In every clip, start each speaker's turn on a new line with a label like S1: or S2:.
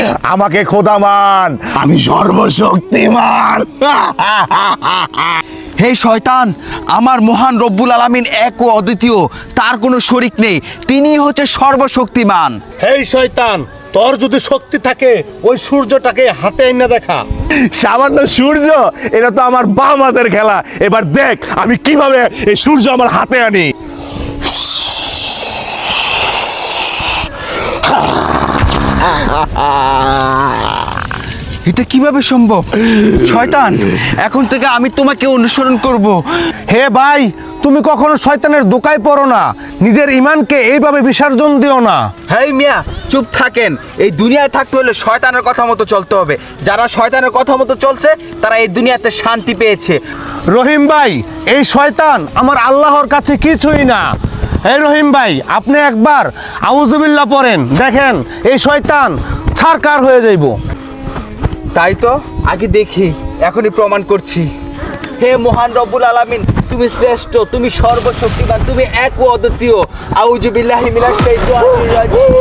S1: আমাকে খোদা মান, আমি সর্বশক্তিমান।
S2: হে শয়তান, আমার মহান রব্বুল আলামিন এক ও অদ্বিতীয়, তার কোনো শরিক নেই, তিনিই হচ্ছে সর্বশক্তিমান।
S3: হেই শয়তান, তোর যদি শক্তি থাকে ওই সূর্যটাকে হাতে এনে দেখা।
S1: সামান্য সূর্য, এটা তো আমার বাম হাতের খেলা। এবার দেখ আমি কিভাবে এই সূর্য আমার হাতে আনি।
S2: এটা কিভাবে সম্ভব? শয়তান, এখন থেকে আমি তোমাকে অনুসরণ করব।
S1: হে ভাই, তুমি কখনো শয়তানের দোকায় পড়ো না, নিজের ইমানকে এইভাবে বিসর্জন দিও না।
S2: হেই মিয়া, চুপ থাকেন। এই দুনিয়ায় থাকতে হলে শয়তানের কথা মতো চলতে হবে। যারা শয়তানের কথা মতো চলছে তারা এই দুনিয়াতে শান্তি পেয়েছে।
S1: রহিম ভাই, এই শয়তান আমার আল্লাহর কাছে কিছুই না। এই রহিম ভাই, আপনি একবার আউযুবিল্লাহ পড়েন, দেখেন এই শয়তান ছারকার হয়ে যাইব।
S2: তাই তো, আগে দেখি, এখনই প্রমাণ করছি। হে মহান রব্বুল আলামিন, তুমি শ্রেষ্ঠ, তুমি সর্বশক্তিমান, তুমি এক ও অদ্বিতীয়। আউযু বিল্লাহি মিনাশ শাইতানির রাজিম।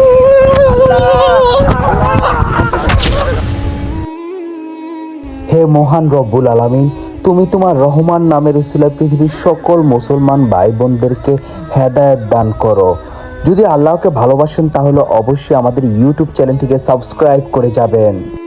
S4: হে মহান রব্বুল আলামিন, তুমি তোমার রহমান নামের উসিলায় পৃথিবীর সকল মুসলমান ভাই বোনদেরকে হেদায়েত দান করো। যদি আল্লাহকে ভালোবাসেন তাহলে অবশ্যই আমাদের ইউটিউব চ্যানেলটিকে সাবস্ক্রাইব করে যাবেন।